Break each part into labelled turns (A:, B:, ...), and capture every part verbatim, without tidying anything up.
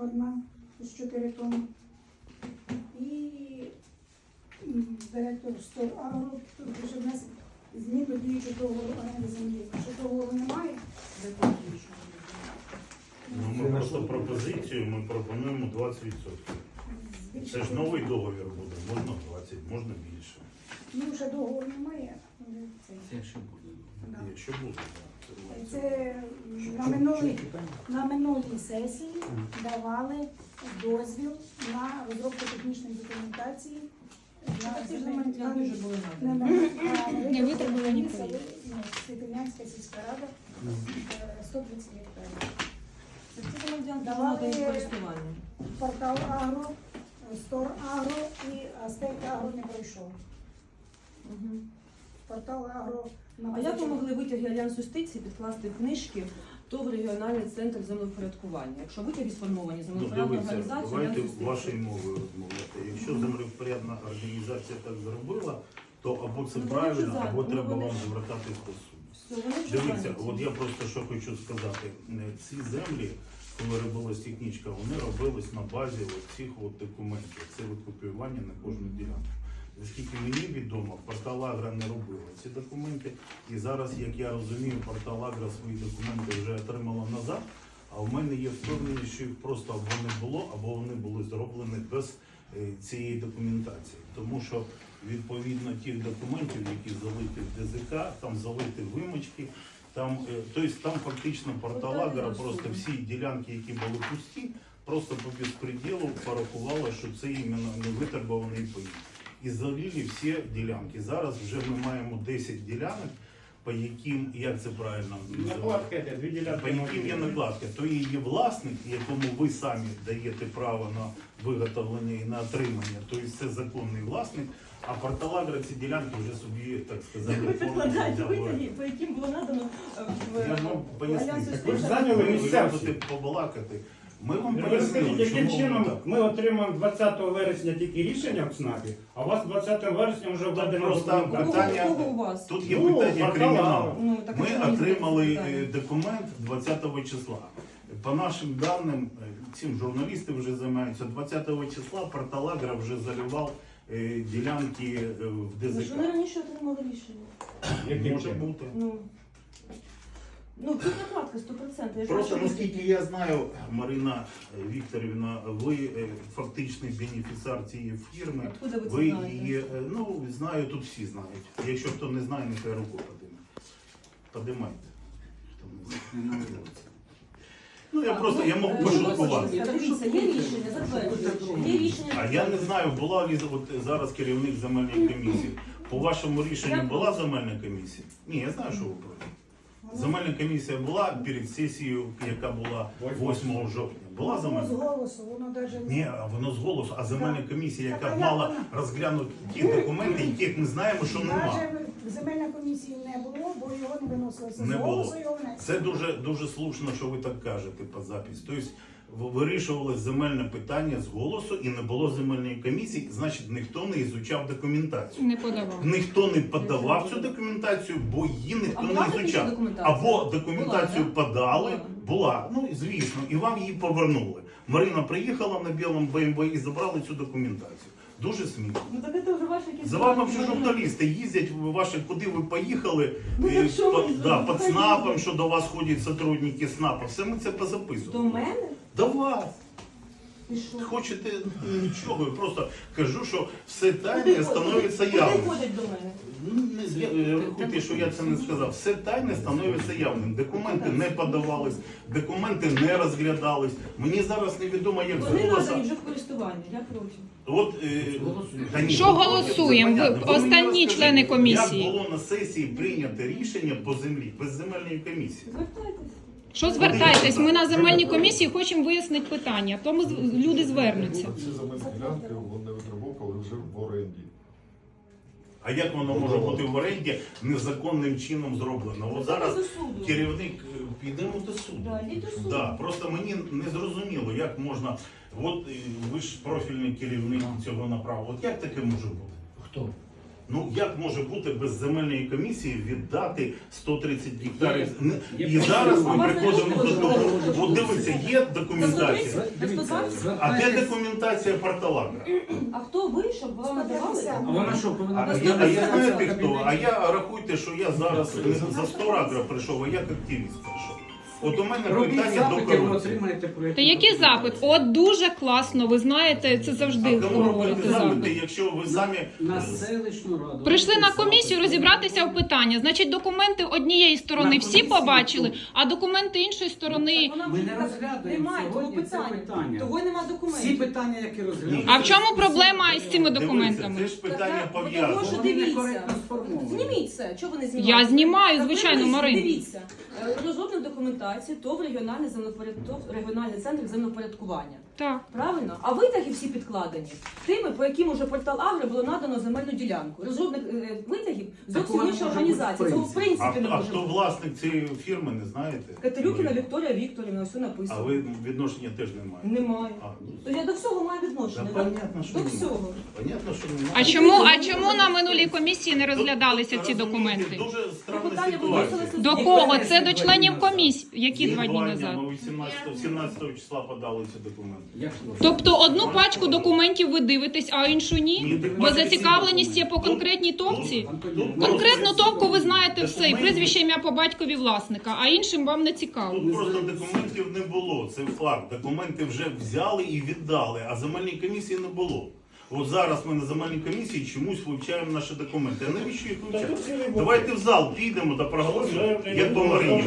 A: одна з чотири тонни. І м, директор Стор Агро вже внес змін до діючого договору оренди землі. Якщо договору немає,
B: Ну, ми просто пропозицію, ми пропонуємо двадцять відсотків. Це ж новий договір буде, можна двадцять, можна більше.
A: ну вже договору немає. але це-
C: Це ще буде.
A: да.
B: Якщо буде, так.
A: Це на минулій, на минулій сесії давали дозвіл на розробку технічної документації.
D: А ці ж земельні ділянки вже були
A: Не
D: надані.
A: не
E: витребувані
A: селі, ну, Світинянська сільська рада, е, сто тридцять гектарів.
D: Ці земельні ділянки вже
A: Давали-
D: надані в користування.
A: Портал Агро, Стор Агро і Астек Агро не пройшов.
D: Мгм.
A: Портал Агро на
D: А як ви могли витяги Альянсу юстиції підкласти в книжки ТОВ регіональний центр землевпорядкування? Якщо витяги сформовані
B: Ну,
D: землевпорядна
B: дивіться,
D: організація
B: давайте
D: Альянс юстиції.
B: вашою мовою розмовляти. Якщо землевпорядна організація так зробила, то або це
D: Ну, вони
B: правильно,
D: вже
B: або
D: за-
B: треба
D: ну, вони
B: вам
D: ж-
B: звертатись до суду.
D: Все, вони вже
B: Дивіться,
D: зайняті.
B: от я просто що хочу сказати. Е, Ці землі, коли робилась технічка, вони робились на базі от цих от документів. Це от копіювання на кожну ділянку. Наскільки мені відомо, портал Агра не робила ці документи. І зараз, як я розумію, портал Агра свої документи вже отримала назад. А в мене є впевненість, що їх просто або не було, або вони були зроблені без е, цієї документації. Тому що відповідно тих документів, які залиті в ДЗК, там залиті вимочки, там, е, тобто там фактично портал Агра просто всі ділянки, які були пусті, просто по безпреділу порахувала, що це іменно не витребуваний паї. І залили всі ділянки. Зараз вже ми маємо десять ділянок, по яким, як це правильно називається?
F: Накладка это, две
B: По
F: делянки.
B: яким є накладка, то і є власник, якому ви самі даєте право на виготовлення і на отримання, тобто це законний власник, а портал Агра ці ділянки вже собі, так сказати,
D: Ви
B: повністю
D: підкладаєте
B: взяли.
D: витяги, по яким було надано е, в
B: Я вам поясню.
D: Альянс
B: Так
F: ви ж
D: юстиції.
F: зайняли
B: Ви
F: місцевці.
B: любите побалакати. Ми вам
F: Ви
B: пояснили,
F: скажіть, яким
B: чому воно
F: чином
B: так.
F: ми отримаємо двадцятого вересня тільки рішення в ЦНАПі, а у вас двадцятого вересня вже введено
B: просто
F: документація.
D: Кого,
B: питання-
D: кого у вас?
B: Тут є
F: Ну,
B: питання
F: портал
B: криміналу.
F: Агра.
D: Ну, так, а
B: Ми
D: чому не
B: отримали
D: питання?
B: е, документ двадцятого числа. По нашим даним, е, цим журналісти вже займаються, двадцятого числа портал Агра вже заливав е, ділянки е, в
D: Ви ж вони
B: ДЗК.
D: раніше отримали рішення.
F: Яким
B: Може
F: чином?
B: бути.
D: Ну, ну тут накладка сто відсотків. Я ж
B: Просто
D: бачу,
B: наскільки я знаю, Марина Вікторівна, ви е, фактичний бенефіціар цієї фірми.
D: Откуда ви це
B: Ви
D: знаєте?
B: її, е, ну, знаю, тут всі знають. Якщо хто не знає, нехай руку подиме. Подимайте. Хто не знає. Ну, я просто, я можу
D: Е,
B: пошуткувати.
D: Дивіться, є рішення, затверджується. Є рішення.
B: А я не знаю, була ли от зараз керівник земельної комісії. По вашому рішенню
D: Я
B: була земельна комісія? Ні, я знаю, що ви проти. Земельна комісія була перед сесією, яка була восьмого жовтня. Була
A: Воно з
B: земельна?
A: голосу, воно навіть
B: Ні, а воно з голосу, а земельна комісія,
A: Так,
B: яка
A: а
B: мала
A: як вона?
B: розглянути ті документи, яких ми знаємо, що нема.
A: Навіть земельної комісії не було, бо його не виносилося.
B: Не
A: З голосу
B: було.
A: його внесли.
B: Це дуже дуже слушно, що ви так кажете по записі. Тобто в- вирішували земельне питання з голосу і не було земельної комісії, значить ніхто не ізучав документацію.
E: Не подавав.
B: Ніхто не подавав цю документацію, бо її ніхто
D: А
B: не
D: була така
B: ізучав.
D: документація?
B: Або документацію
D: Була, да?
B: подали,
D: Була.
B: була, ну звісно, і вам її повернули. Марина приїхала на білому Б М В і забрали цю документацію. Дуже смішно.
D: Ну так це вже ваші якісь...
B: За вами вже журналісти їздять, ви ваші, куди ви поїхали,
D: Ну,
B: е,
D: так що
B: по-
D: ви
B: да, під
D: поїхали?
B: СНАПом, що до вас ходять сотрудники СНАПа, все ми це
D: До
B: позаписували.
D: мене?
B: До вас.
D: І що?
B: Хочете нічого, я просто кажу, що все
D: Куди
B: тайне
D: ходять?
B: становиться
D: Куди
B: явним.
D: ходять до мене?
B: Ну, не з- я- Рахуйте, що я це не сказав. Все тайне становиться явним. Документи не подавались, документи не розглядались. Мені зараз невідомо, як
D: Вони
B: з голоса.
D: надані вже в користування, я проти.
B: От, е, та ні,
E: Що
B: це
E: голосуємо?
B: понятно.
E: Ви-
B: Ви мені
E: останні
B: розкажіть,
E: члени комісії.
B: Як було на сесії прийнято рішення по землі, без земельної комісії?
D: Звертайтеся.
E: Що звертайтесь? Ми на земельній комісії хочемо вияснити питання, тому з- люди звернуться.
G: Ці земельні ділянки вони витребовували вже в оренді.
B: А як воно може бути в оренді незаконним чином зроблено? От зараз
D: До суду.
B: керівник, е, підемо до суду.
D: Да, йдіть до суду.
B: Да, просто мені не зрозуміло, як можна. От е, ви ж профільний керівник цього направу. От як таке може бути?
C: Хто?
B: Ну як може бути без земельної комісії віддати сто тридцять гектарів? Не-
F: Є
B: І зараз
D: А
B: ми
D: вас не
B: приходимо до
D: можна
B: того.
D: розглядати?
B: От дивіться, є документація.
F: Дивіться,
B: А де
F: звертайтесь-
B: документація портала?
D: А хто ви, щоб вам надавали?
F: А вона що,
B: А
F: повинна
B: я, а
F: доставити
B: я
F: в
B: знаєте хто?
F: кабінеті?
B: А я рахуйте, що я зараз не за сто агро прийшов, а як активіст прийшов. От у мене
F: Робіть
B: питання до
F: запити, ви
B: корупції.
F: отримаєте проєкт.
E: Та який запит? От дуже класно, ви знаєте, це завжди
B: А кому робити
E: говорите
B: запити,
E: запит.
B: якщо ви самі
F: На селищну раду.
E: Прийшли на
F: Робіть
E: комісію
F: запит.
E: розібратися в питання. Значить, документи однієї сторони
F: На
E: всі
F: комісії
E: побачили,
F: тут.
E: а документи іншої сторони.
D: Вона
F: Ми
D: вже
F: не
D: так
F: розглядаємо
D: немає того
F: сьогодні це
D: питання.
F: питання.
D: Того й нема
F: Всі
D: документів.
F: питання, які розглядаються.
E: А в чому проблема з цими
B: дивіться,
E: документами?
B: це ж питання
D: Так, Тому
B: пов'язане.
D: що
F: Вони
D: дивіться,
F: некоректно сформовані.
D: зніміть це. Чого ви не знімаєте?
E: Я знімаю,
D: Так,
E: звичайно,
D: дивіться,
E: Марин.
D: Дивіться, Е, розробник документації, ТОВ регіональний землепоряд... ТОВ регіональний центр землепорядкування.
E: Так.
D: Правильно? А витяги всі підкладені тими, по яким уже портал Агро було надано земельну ділянку. Розробник е, витягів зовсім
F: вона
D: інша
F: може
D: організація.
F: бути в
D: Цього в
F: принципі.
B: А,
D: принципі не
B: а
D: може
B: хто
D: бути.
B: власник цієї фірми, не знаєте?
D: Катерюкіна
B: Ви-
D: Вікторія Вікторівна, все
B: А
D: написано.
B: ви відношення теж не маєте?
D: Немає.
B: А, ну,
D: То я до всього маю
B: Та
D: відношення.
B: понятно, що
D: До
B: немає.
D: всього.
B: Понятно, що немає.
E: А чому, а чому на минулій комісії не розглядалися
B: Тут,
E: ці
B: розумієте,
E: документи?
B: Дуже странна
D: Питання
B: ситуація.
D: виносилося
E: До
F: Ні,
E: кого?
F: перенесли
E: Це до
F: два
E: членів
F: дні назад.
E: комісії. Які два дні назад?
B: Ми вісімнадцятого сімнадцятого числа подали ці документи.
F: Як ви?
E: Тобто одну пачку документів ви дивитесь, а іншу
B: Ні,
E: ні?
B: так
E: Бо
B: бачите,
E: зацікавленість є по
B: тут-
E: конкретній
B: тут-
E: товці?
F: Антоніна,
B: Тут
E: Конкретну
B: просто-
E: товку ви знаєте все, і
B: Документи-
E: прізвище ім'я по батькові власника, а іншим вам не цікаво.
B: Тут просто документів не було, це факт. Документи вже взяли і віддали, а земельної комісії не було. От зараз ми на земельній комісії чомусь вивчаємо наші документи. А навіщо їх вивчати? Давайте в зал підемо та проголосуємо, як по Марині.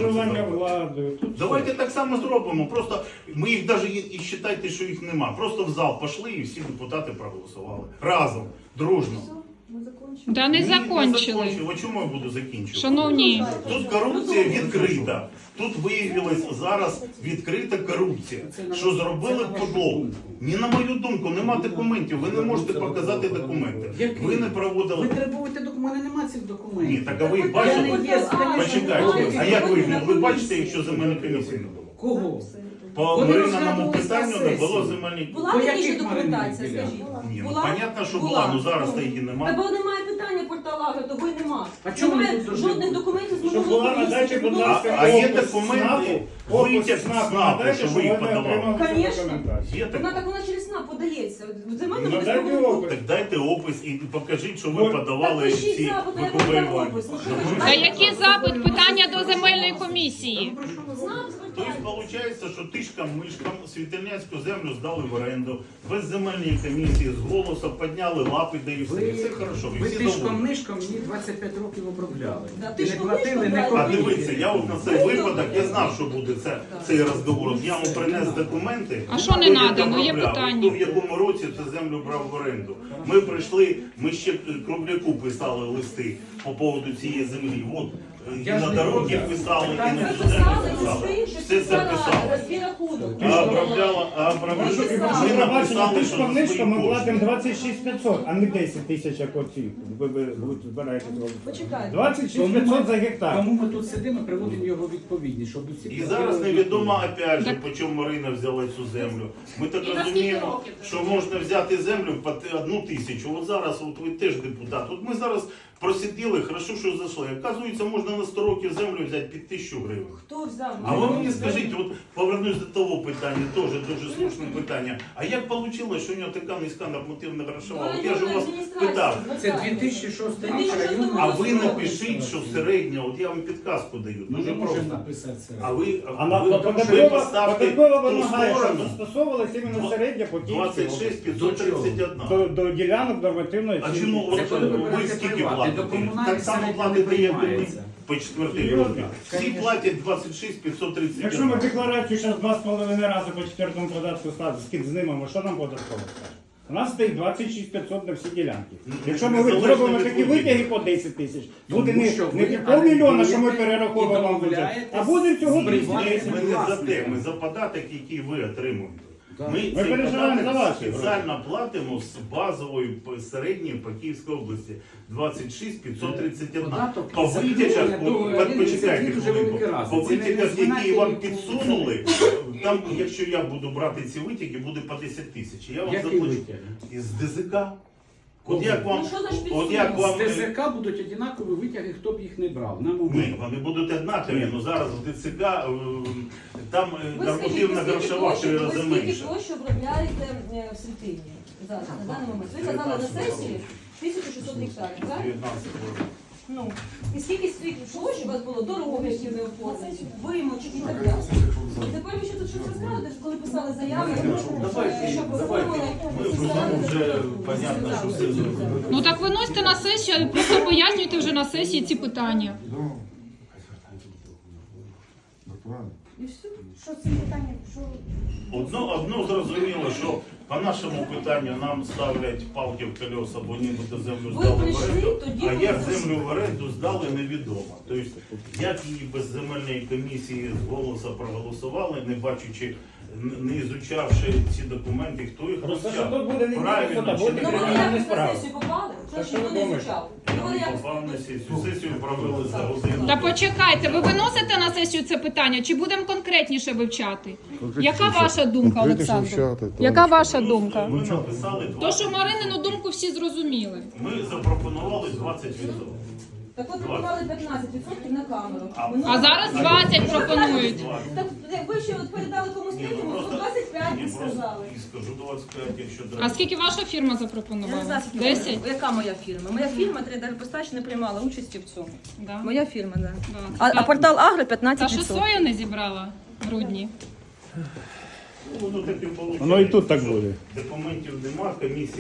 B: Давайте так само зробимо. Просто ми їх навіть і вважайте, що їх нема. Просто в зал пішли і всі депутати проголосували. Разом, дружно.
D: Ми закінчимо.
E: Да не
B: Ні,
E: закончили.
B: закончив. А чому я буду закінчувати?
E: Шановні,
B: Тут корупція відкрита. Тут виявилась зараз відкрита корупція. Що зробили подлогу? Ні, на мою думку, нема документів. Ви не можете показати документи. Ви не
F: Ви
B: проводили.
F: требуєте документи, нема цих
B: Ні,
F: документів.
B: так а ви їх
F: Я
B: бачите?
F: не є, звісно,
B: Почекайте. А як ви їх? Ви бачите, якщо земельної комісії не було?
F: Кого?
B: По
F: Вони
B: Марининому
F: розглядувались на
B: питанню не було
F: сесії.
B: земельної
D: Була
F: По
D: раніше
F: яких
D: документація,
F: маринних
D: скажіть?
B: Ні, ну
D: Була?
B: понятно, що
D: Була.
B: була, ну зараз
D: Ну.
B: її
D: Та
B: немає.
D: бо немає питання порталу Агро, того й нема.
F: А чому
D: Немає
F: ви тут
D: жодних
F: должны
D: документів з
C: Щоб
D: минулого
C: була,
D: комісії,
C: надайте,
D: щоб
C: будь
D: було
C: ласка,
B: А, а є
C: опис
B: документи,
C: СНАПу,
B: витяг
C: опис
B: з
C: СНАПу,
B: СНАПу,
C: надайте,
B: що
C: щоб
B: ви їх
C: вони
B: подавали.
C: отримали цю
D: Конечно.
C: документацію.
B: Є
D: Вона
B: таке?
D: так вона через СНАП подається. В земельному
C: Ну,
D: без
C: дайте
D: проблем.
C: опис.
B: Так дайте опис і покажіть, що ви
C: Ну,
B: подавали
D: так пишіть
B: ці
D: запит, а я вам дам
B: викупування.
D: опис. Ну, що ви
B: Ну,
E: та який запит? Питання до земельної комісії.
D: СНАП
B: Тобто
D: звертається.
B: виходить, що тишкам, мишкам світельняцьку землю здали в оренду, без земельної комісії, з голосу підняли лапи, де і все. І все хорошо, і
F: Ви
B: всі
F: тишком
B: довольні.
F: нишком мені двадцять п'ять років обробляли.
D: Да,
F: І не
D: тишком
F: платили,
D: нишком,
F: не
D: да,
B: А
F: копійки.
B: дивіться, я от на цей випадок, я знав, що буде це, цей розговор. От я вам принес документи.
E: А що не
B: хто як
E: надано? Є
B: обробляв,
E: питання.
B: хто в якому році цю землю брав в оренду. Ми прийшли, ми ще Кругляку писали листи по поводу цієї землі. От, і
F: Я ж
B: на
F: не
B: дороги
F: проти.
B: писали, і на
D: Це
B: цю
D: писали,
B: землю
D: і
B: писали.
D: все інше
B: Все це
D: писали,
B: писали.
D: свій рахунок.
B: А обробляла, а обробляла.
D: Ви писали.
B: Ми
C: Ми
B: написали, що
C: тишком
B: за
C: нишком
B: свої
C: ми
B: кошти.
C: платимо двадцять шість п'ятсот, а не десять тисяч, як оці. Ви, ви, ви збираєте робити.
D: Почекайте.
C: двадцять шість
F: Тому
C: п'ятсот за
F: ми,
C: гектар.
F: тому ми тут сидимо і приводимо його відповідність, щоб усі
B: І зараз невідомо, опять же, по чому Марина взяла цю землю. Ми так розуміємо, що можна взяти землю по те- одну тисячу. От зараз, от ви теж депутат. От ми зараз просиділи, хорошо, що зайшли. Оказується, можна на сто років землю взяти під тисячу гривень.
D: Хто взяв?
B: А ви мені скажіть, от повернусь до того питання, теж дуже слушне питання. А як вийшло, що у нього така низька нормативна грошова? От я ж у вас питав.
F: Це дві тисячі шостий рік районна.
B: А ви напишіть, що середня, от я вам підказку даю,
F: Ми
B: дуже
F: не можемо
B: просто.
F: написати це.
B: А ви,
C: А на
B: ви, ви
C: податкова
B: поставте
C: податкова
B: ту
C: вимагає, щоб
B: сторону
C: застосовувалася іменно середня по
B: двадцять шість п'ятсот тридцять один.
C: до, до ділянок нормативної
B: А
C: оцінки.
B: чому
F: Це
B: от,
F: коли ви
B: ви
F: берете
B: скільки
F: приват, і
B: платите?
F: до комунальних
B: Так само
F: середньо
B: платите,
F: не
B: як ви
F: приймається.
B: по четвертій
C: Серйозно?
B: групі. Всі
F: Конечно.
B: платять двадцять шість п'ятсот тридцять
C: Якщо ми
B: один.
C: декларацію зараз два з половиною рази по четвертому податку ставимо, скид знімемо, що нам податково скаже? У нас стоїть двадцять шість п'ятсот на всі ділянки.
B: Ну,
C: Якщо ми
B: незалежно
C: зробимо
B: від
C: такі
B: виборів.
C: витяги по десять тисяч, буде
F: Тому
C: не,
F: що
C: не
F: ви
C: півмільйона, що ми
F: орендуєте
C: перераховуємо
F: і
C: вам бюджет,
F: домовляєтесь
C: а буде всього
F: з
C: двісті
F: приватним
C: десять.
B: Ми не за те,
F: власником.
B: ми за податок, який ви отримуєте.
F: Да.
B: Ми,
C: Ми
B: цей
C: переживаємо за
B: податок
C: ваші
B: спеціально платимо з базової по- середньої по Київській області двадцять шість п'ятсот тридцять один.
F: Податок
B: По
F: і закріплення
B: витягах, по-
F: договору
B: по-
F: оренди,
B: почекайте
F: це дуже
B: хвилинку,
F: велика разниця.
B: по
F: Це не
B: витягах, які
F: знаєте,
B: вам
F: яку-
B: підсунули, там, якщо я буду брати ці витяги, буде по десять тисяч. Я вам
F: Який
B: заплачу
F: витяг?
B: із ДЗК. От як вам,
D: Ну, що за
B: от як вам
H: З ТСК будуть однакові витяги, хто б їх не брав. На
B: Ні,
H: момент.
B: вони будуть однакові, але зараз в ТЦК е, там е,
D: Ви скажіть,
B: нормативна
D: ви скільки
B: грошова в три
D: площі-
B: рази
D: ви скільки
B: менше.
D: площі обробляєте е, в Світині зараз, на даний момент? Ви казали на сесії тисяча шістсот гектарів, так?
B: дев'ятнадцять років.
D: Ну, і скільки світ площ у вас було дорог, які не оформлені, вимочок і так далі. І тепер ви ще тут щось розказуєте, що коли писали заяви, е, щоб оформили,
B: Ми вже, вже понятно, що все зробили.
E: Ну так виносьте на сесію, просто пояснюйте вже на сесії ці питання.
A: І все. Що з цим питанням? Що
B: Одно, одно зрозуміло, що по нашому питанню нам ставлять палки в колеса, бо нібито землю
D: Ви
B: здали в
D: прийшли,
B: оренду,
D: тоді
B: а
D: ви
B: як
D: зайшли.
B: землю в оренду здали, невідомо. Тобто, як її без земельної комісії з голосу проголосували, не бачачи, н- не ізучавши ці документи, хто їх
C: Просто що
B: розтягнув.
C: тут буде не
B: Правильно,
C: буде,
B: чи
C: буде
B: не
D: Ну, вони
B: правильно?
C: кримінальні
D: якось на
C: справи.
D: сесію попали,
C: Та
D: що
C: що
D: ніхто
C: ви
D: не
C: думаєте?
D: звучав.
B: Я
D: Вони
B: не
D: якось
B: попав на сесію. Сесію провели за годину.
E: Та почекайте, ви виносите на сесію це питання, чи будемо конкретніше вивчати? Яка ваша думка, Олександр? Яка ваша думка?
B: Ми написали
E: То, що
B: двадцять.
E: Маринину думку всі зрозуміли.
B: Ми запропонували двадцять відсотків.
D: Так ви пропонували п'ятнадцять відсотків на камеру.
B: А-
D: Минулого
E: А зараз
D: разу.
E: двадцять пропонують.
D: Так ви ще от передали комусь
B: Ні, ну
D: третьому,
B: просто-
D: то двадцять п'ять
B: Ні,
D: ви
B: просто
D: сказали.
B: і скажу двадцять п'ять, якщо
E: А
B: треба.
E: скільки ваша фірма
D: Я не
E: запропонувала?
D: знаю, скільки
E: Десять?
D: яка моя фірма. Моя фірма Трейдерпостач не приймала участі в цьому.
E: Да.
D: Моя фірма, так.
E: Да.
D: А, а
E: Та-
D: портал Агро
E: Та
D: п'ятнадцять
E: що
D: відсотків.
E: сою не зібрала в грудні?
B: Ну, воно так і вийшло.
C: Воно і тут так буде.
B: Документів нема, комісія